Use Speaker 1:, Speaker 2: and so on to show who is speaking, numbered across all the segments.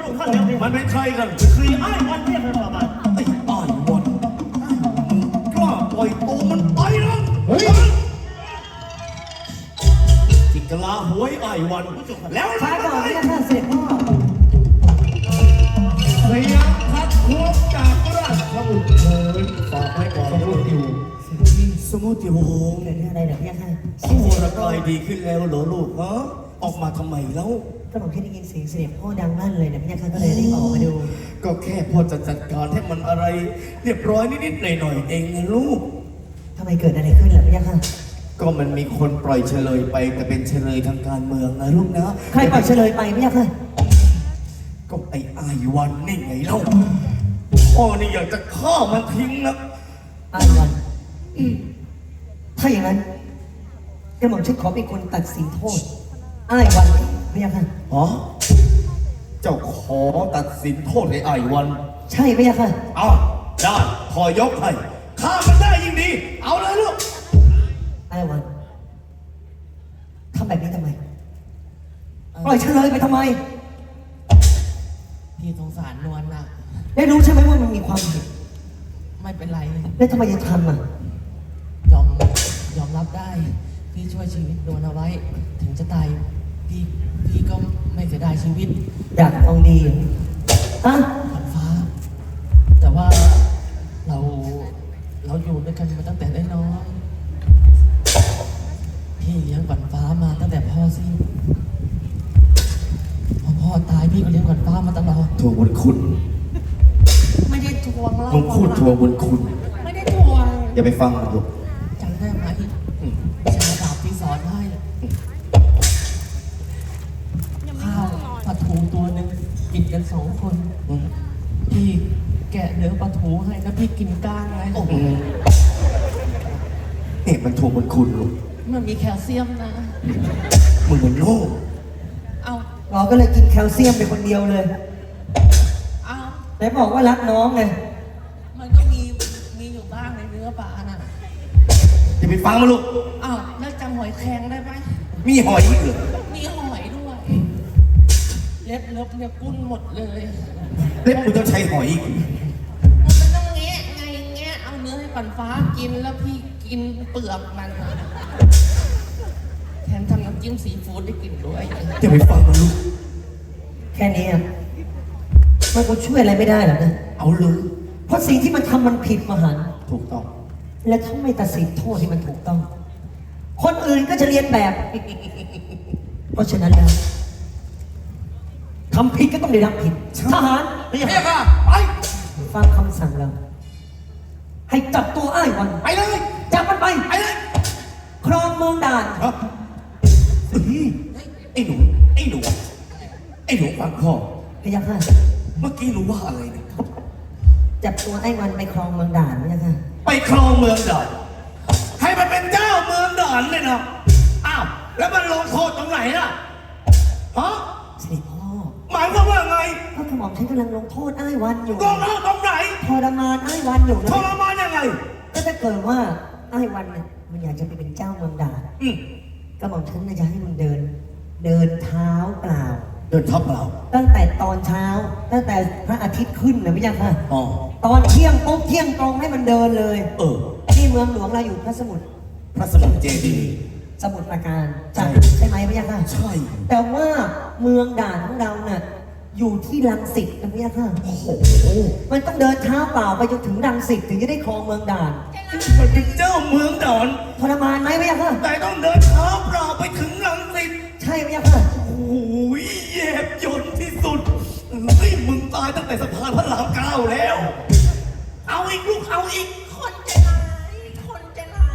Speaker 1: ระองค์ท่านแล้วมันเป็นใครกันคือไอ้วันเทพพระบาทไอ้อ้ายวันมึงกล้าปล่อยตัวมันไปนะจิกลาหวยไอ้วันแล้ว
Speaker 2: ช้าก่อนที่จะเสร็จพ่อ
Speaker 3: พยายามพัดพวกจากราชบุตรเถิดฝากไว้ก่อนลูกอยู่
Speaker 1: สมุติวงศ์
Speaker 2: เกิดเรื่องอะไรเดี๋ยวพี่ค่ะ
Speaker 1: สู้ระกายดีขึ้นแล้วเหรอลูกฮะออกมาทำไมแล้ว
Speaker 2: ก็ผมแค่ได้ยินเสียงเสด็จพ่อดังลั่นเลยนะพี่ค่ะก็เลยรีบออกมาดู
Speaker 1: ก็แค่พอจะจัดการให้มันอะไรเรียบร้อยนิดๆหน่อยๆเองนะลูก
Speaker 2: ทำไมเกิดอะไรขึ้นล่ะพี่ค่ะ
Speaker 1: ก็มันมีคนปล่อยเฉลยไปแต่เป็นเฉลยทางการเมืองนะลูกนะ
Speaker 2: ใครปล่อยเฉลยไปพี่ค่ะ
Speaker 1: ก็ไอ้อายุวันนี่ไงเล่าพ่อนี่อยากจะฆ่ามันทิ้งนะ
Speaker 2: อ้ายวันถ้าอย่างนั้นกระหม่อมฉันขอเป็นคนตัดสินโทษอ้ายวันพี่ค่ะ
Speaker 1: ฮะเจ้าขอตัดสินโทษไอ้อายุวัน
Speaker 2: ใช่พี่ค่ะ
Speaker 1: เอาได้พอยกให้ฆ่ามันได้ยิ่งดี เอาเลยลูก
Speaker 2: อ้ายวันทำแบบนี้ทำไมปล่อยเฉลยไปทำไม
Speaker 4: พี่สงสารนวลนะ
Speaker 2: ได้รู้ใช่ไหมว่ามันมีความผิด
Speaker 4: ไม่เป็นไร
Speaker 2: แล้วทำไมยังทำอ่ะ
Speaker 4: ยอมยอมรับได้ พี่ช่วยชีวิตนวลเอาไว้ ถึงจะตายพี่ก็ไม่เสียดายชีวิต
Speaker 2: อยากฟังดีเหรอฮะ
Speaker 4: ขวัญฟ้า แต่ว่าเราอยู่ด้วยกันมาตั้งแต่น้อยๆพี่เลี้ยงขวัญฟ้ามาตั้งแต่พ่อสิ้นพอพ่อตายพี่ก็เลี้ยงขวัญฟ้ามาตลอด
Speaker 1: ทวงบุญคุณ
Speaker 4: ไม่ได้ทวงแล้ว
Speaker 1: มึงพูดทวงบุญคุณ
Speaker 4: ไม่ได้ทวง
Speaker 1: อย่าไปฟังมันลูก
Speaker 4: จำได้ไหมชาดาบที่สอนให้ข้าวปลาทูตัวหนึ่งกินกัน2 คนพี่แกะเนื้อปลาทูให้แล้วพี่กินก้างไง
Speaker 1: เนี่ยมันทวงบุญคุณลูก
Speaker 4: มันมีแคลเซียมนะ
Speaker 1: มึงมันโง่
Speaker 4: เอา
Speaker 2: เราก็เลยกินแคลเซียมไปคนเดียวเลย
Speaker 4: เอา
Speaker 2: แต่บอกว่ารักน้องไง
Speaker 4: มันก็มีอยู่บ้างในเนื้อปลาน่ะ
Speaker 1: อย่าไปฟังมันลูก
Speaker 4: เอาแล้วจำหอยแครงได้ไหม
Speaker 1: มีหอยอีกเหรอ
Speaker 4: มีหอยด้วยเล็บเนี่ยกุ้นหมดเลย
Speaker 1: เล็บมึงต้องใช้หอยอีก
Speaker 4: มันต้องแงะไงแงะเอาเนื้อให้ปันฟ้ากินแล้วพี่กินเปลือกมันอะแถมทำน้ำจิ้มซีฟู้ดได้กินด้วย
Speaker 1: อย่าไปฟังมันลูก
Speaker 2: แค่นี้อ่ะมันก็ช่วยอะไรไม่ได้หรอกนะ
Speaker 1: เอาเลย
Speaker 2: เพราะสิ่งที่มันทำมันผิดมหันต์
Speaker 1: ถูกต้อง
Speaker 2: และถ้าไม่ตัดสินโทษที่มันถูกต้อง คนอื่นก็จะเรียนแบบ เพราะฉะนั้นแล้วทำผิดก็ต้องได้รับผิดทหาร
Speaker 1: นี่ค่ะไป
Speaker 2: ฟังคำสั่งเรา ให้จับตัวอ้ายวัน
Speaker 1: ไปเลย
Speaker 2: จับมันไป
Speaker 1: ไปเลย
Speaker 2: ครองเมืองด่าน
Speaker 1: ครับไอ้หนูไอ้หนูไอ้หนูฟังพ่อ
Speaker 2: พยาค่ะ
Speaker 1: เมื่อกี้หนูว่าอะไรเนี่ย
Speaker 2: จับตัวไอ้วันไปครองเมืองด่านพยาค่ะ
Speaker 1: ไปครองเมืองด่านให้มันเป็นเจ้าเมืองด่านเลยนะอ้าวแล้วมันลงโทษตรงไหนล่ะฮะ
Speaker 2: เสด็จพ่อ
Speaker 1: หมายความว่าไง
Speaker 2: เพราะกระหม่อมฉันกำลังลงโทษอ้ายวันอยู่
Speaker 1: ลงโทษตรงไหน
Speaker 2: ทรมานอ้ายวันอยู่
Speaker 1: ท
Speaker 2: นะ
Speaker 1: รมานยังไง
Speaker 2: ก็ถ้าเกิดว่าอ้ายวันเนี่ยมันอยากจะไปเป็นเจ้าเมืองด่าน
Speaker 1: อืม
Speaker 2: กระหม่อมฉันน่ะจะให้มันเดินเท้าเปล่า
Speaker 1: เดินทับเรา
Speaker 2: ตั้งแต่ตอนเช้า ตั้งแต่พระอาทิตย์ขึ้นนะพี่ยังค่ะ
Speaker 1: อ๋อ
Speaker 2: ตอนเที่ยงปุ๊บเที่ยงตรงให้มันเดินเลย
Speaker 1: เออ
Speaker 2: ที่เมืองหลวงเราอยู่พระสมุทร
Speaker 1: พระสมุทรเจดีย์
Speaker 2: สมุทรปราการ
Speaker 1: ใช่
Speaker 2: ใช่ไหมพี่ยังค่ะ
Speaker 1: ใช่
Speaker 2: แต่ว่าเมืองด่านของเราน่ะอยู่ที่รังสิตนะพี่ยังค่ะ
Speaker 1: โอ้โห
Speaker 2: มันต้องเดินเท้าเปล่าไปจนถึงรังสิตถึงจะได้ครองเมืองด่าน
Speaker 1: มันเป็นเจ้าเมืองด่าน
Speaker 2: ทรมานไหมพี่ยังค่ะ
Speaker 1: แต่ต้องเดินเท้าเปล่าไปถึงรังสิต
Speaker 2: ใช่พี่ยังค่ะ
Speaker 1: โอ้ยแยบยนที่สุดเฮ้ยมึงตายตั้งแต่สะพานพระราม9แล้ว เอาอีกลูกเอาอีก
Speaker 4: คนใจร้ายคนใจร้าย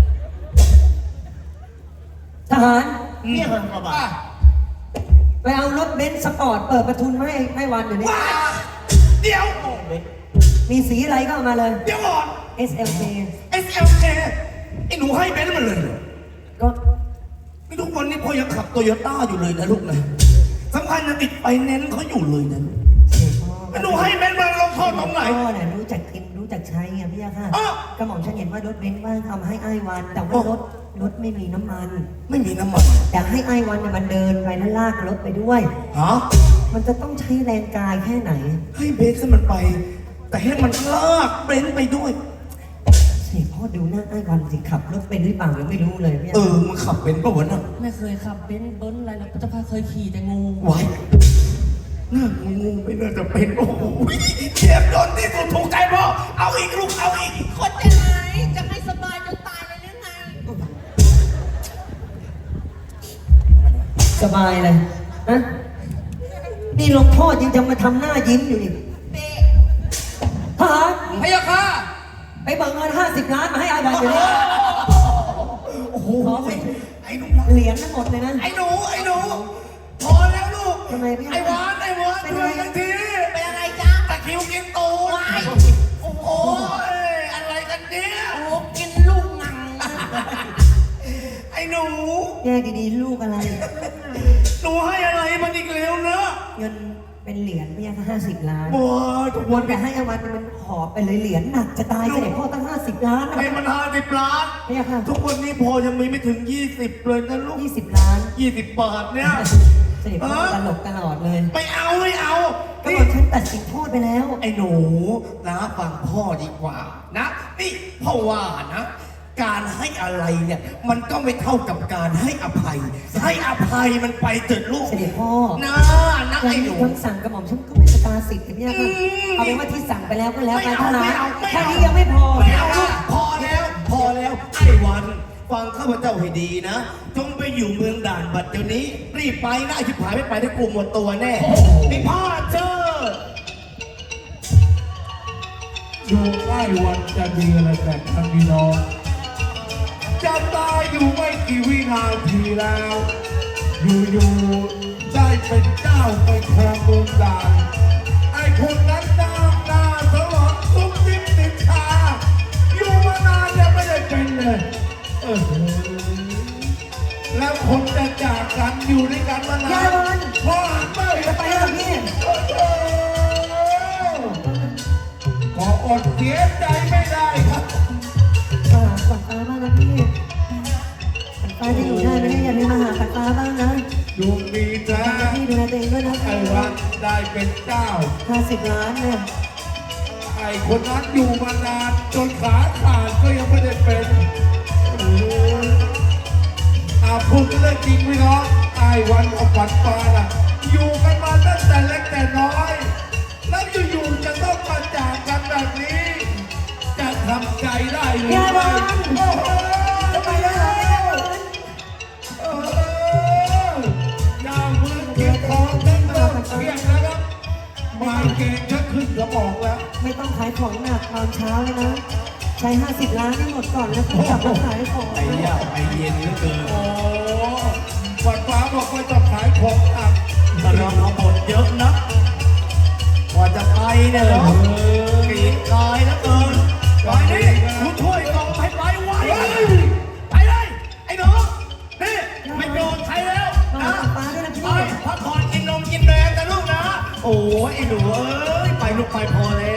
Speaker 2: ทหาร
Speaker 1: เนี่ยมันประมาณ
Speaker 2: ไปเอารถเบนซ์สปอร์ตเปิดประทุนมาให้วันเดี๋ยวนี้
Speaker 1: ว้าเดี๋ยว
Speaker 2: มีสีอะไรก็เอามาเลย
Speaker 1: เดี๋ยวก่อน
Speaker 2: SLK
Speaker 1: SLK ไอ้หนูให้เบนซ์มันเลยเหรอ
Speaker 2: ก็
Speaker 1: นี่ทุกวันนี้พ่อยังขับโตโยต้าอยู่เลยนะลูกนะสำคัญยังติดไฟแนนซ์เขาอยู่เลยนะ
Speaker 2: เสียพ่อ
Speaker 1: ไอ้หนูให้เบนซ์มันลงโทษตรงไหน
Speaker 2: พ่อเนี่ยรู้จักกินรู้จักใช้ไงพี่ยาค่ะ
Speaker 1: อ้าว
Speaker 2: กระหม่อมฉันเห็นว่ารถเบนซ์ว่างเอามาให้อ้ายวัน แต่ว่ารถไม่มีน้ำมัน
Speaker 1: ไม่มีน้ำมัน
Speaker 2: อยากให้อ้ายวันเนี่ยมันเดินไปแล้วลากรถไปด้วย
Speaker 1: ฮะ
Speaker 2: มันจะต้องใช้แรงกายแค่ไหน
Speaker 1: ให้เบสมันไป แต่ให้มันลากเบนไปด้วย
Speaker 2: เสียพ่อดูหน้าไอ้วันสิขับรถเป็นหรือเปล่ายังไม่รู้เลยพี่
Speaker 1: มึงขับเป็นปะวะน่ะ
Speaker 4: ไม่เคยขับเบนซ์เบิ้ลอะไรแล้วเจ้าพาเคยขี่แต่งู
Speaker 1: ไว้น่างูไม่น่าจะเป็นโอ้โหเจ็บจนที่สุดถูกใจพ่อเอาอีกลูกเอาอีก
Speaker 4: คนจะไหนจะให้สบายจนตายเลยหรือไง
Speaker 2: สบายเลยนะนี่หลวงพ่อยังจะมาทำหน้ายิ้มอยู่อีก
Speaker 4: เป๊ะ
Speaker 2: ทหาร
Speaker 4: พะยะค่ะ
Speaker 2: ไปเบิกเงิน50 ล้านมาให้อาวันอยู่นี่
Speaker 1: โอ้โห
Speaker 2: ขอเป็น
Speaker 1: ไอ้หนู
Speaker 2: เหรียญทั้งหมดเลยนะ
Speaker 1: ไอ้หนูพอแล้วลูก
Speaker 2: ทำไมพี่
Speaker 1: ไอ้หวานช่วยกันที
Speaker 4: เป็นอะไรจ๊ะ
Speaker 1: ตะคริวกินตูดโอ้โหอะไรกันเนี่ย
Speaker 4: โอ้กินลูกหนังนะ
Speaker 1: ไอ้หนู
Speaker 2: แยกดีๆลูกอะไร
Speaker 1: หนูให้อะไรมันอีกแล้วนะ
Speaker 2: เงินเป็นเหรียญเนี่ยค่ะ50 ล้าน
Speaker 1: บัวทุก
Speaker 2: ว
Speaker 1: วัน น
Speaker 2: แต่ให้อาวันมันหอบไปเลยเหรียญหนักจะตายเสด็จพ่อตั้ง50 ล้านนะ
Speaker 1: ให้มัน50 ล้าน
Speaker 2: เนี่ยค่ะ
Speaker 1: ทุกวันนี้พอยังมีไม่ถึง 20 เลยนะลูก
Speaker 2: 20 ล้าน
Speaker 1: 20 บาทเนี่ย
Speaker 2: เสด็จพ่อตลกตลอดเลย
Speaker 1: ไม่เอา
Speaker 2: ก็
Speaker 1: นี่
Speaker 2: บอกฉันตัดสินโทษไปแล้ว
Speaker 1: ไอ้หนูนะฟังพ่อดีกว่านะนี่พ่อว่านะ การให้อะไรเนี่ย มันก็ไม่เท่ากับการให้อภัย ให้อภัยมันไปเถิดลูก
Speaker 2: เสด็จพ่อ
Speaker 1: นะนะ
Speaker 2: การ
Speaker 1: ไอ้ห
Speaker 2: มี
Speaker 1: นู
Speaker 2: คำสั่งกระหม่อมฉันก็ไม่สตาสิทธิ์กันเนี่ยค่ะเอาเป็นว่าที่สั่งไปแล้วก็แล้วกันทหารแค่นี้ยังไม่พอ
Speaker 1: ไม่เอาลูกพอแล้วไอ้วัน ฟังข้าพเจ้าให้ดีนะ จงไปอยู่เมืองด่านบัดเดี๋ยวนี้ รีบไปนะไอ้ชิบหายไม่ไปได้กลุ่มหมดตัวแน่นี่พ่อเจอ
Speaker 3: ดูใกล้วันจะดีอะไรแต่ทางพี่น้องจะตายอยู่ไม่กี่วินาทีแล้ว อยู่ๆได้เป็นเจ้าไปครองเมืองด่านไอ้คนนั้นหน้าสลอนซุ่มยิ้มติดชาอยู่มานานยังไม่ได้เป็นเลยแล้วคนจะจากกันอยู่ด้วยกันมานานพอหันไป
Speaker 2: จะไปแล้วพี่
Speaker 3: ก็อดเสียใจไม่ได้ครับ
Speaker 2: ฝันฟ้าบ้างนะพี่ฝันฟ้าจะอยู่ได้ไหมเนี่ยอย่าลืมมาหาฝันฟ้าบ้างนะ
Speaker 3: ดวงดีแท้
Speaker 2: พี่ดูแลตัวเองด้วยนะ
Speaker 3: ไอ้วันได้เป็นเจ้า
Speaker 2: 50 ล้านเนี่ย
Speaker 3: ไอ้คนนั้นอยู่มานานจนขาขาดก็ยังไม่ได้เป็นพูดเรื่องจริงไหมน้องไอ้วันกับฝันฟ้าน่ะอยู่กันมาตั้งแต่เล็กแต่น้อย แล้วอยู่ๆจะต้องมาจากกันแบบนี้ จะทำใจได้หรือไม่โอ้โห
Speaker 2: จะไปแล้ว
Speaker 3: ดาวมือเกียรทองทั้งหมดเกียรนะครับมาเกณฑ์ชักขึ้นกระบอกแล้ว
Speaker 2: ไม่ต้องขายของหนักตอนเช้าเลยนะ ใช้50 ล้านให้หมดก่อนแล้วค่อยกลับมาขายของ
Speaker 1: ไอ้ยาไอ้เย็นเหลือเกิน
Speaker 3: โอ้ฝันฟ้าบอกว่าจะขายของอัก
Speaker 1: ถ้าเราเอาหมดเยอะนะกว่าจะไปเนี่ยเหรอปีกกายแล้วเกินไปนี่กูช่วยส่งให้ไปไวไปเลยไอ้หนูนี่ไม่โดนใครแล้ว
Speaker 2: มา
Speaker 1: นะ
Speaker 2: หาฝันฟ้าด้วยนะ
Speaker 1: ไป
Speaker 2: พี่
Speaker 1: พักผ่อนกินนมกินแดงกันลูกนะ โอ้ยไอ้หนูเอ้ยไปลูกไปพอแล้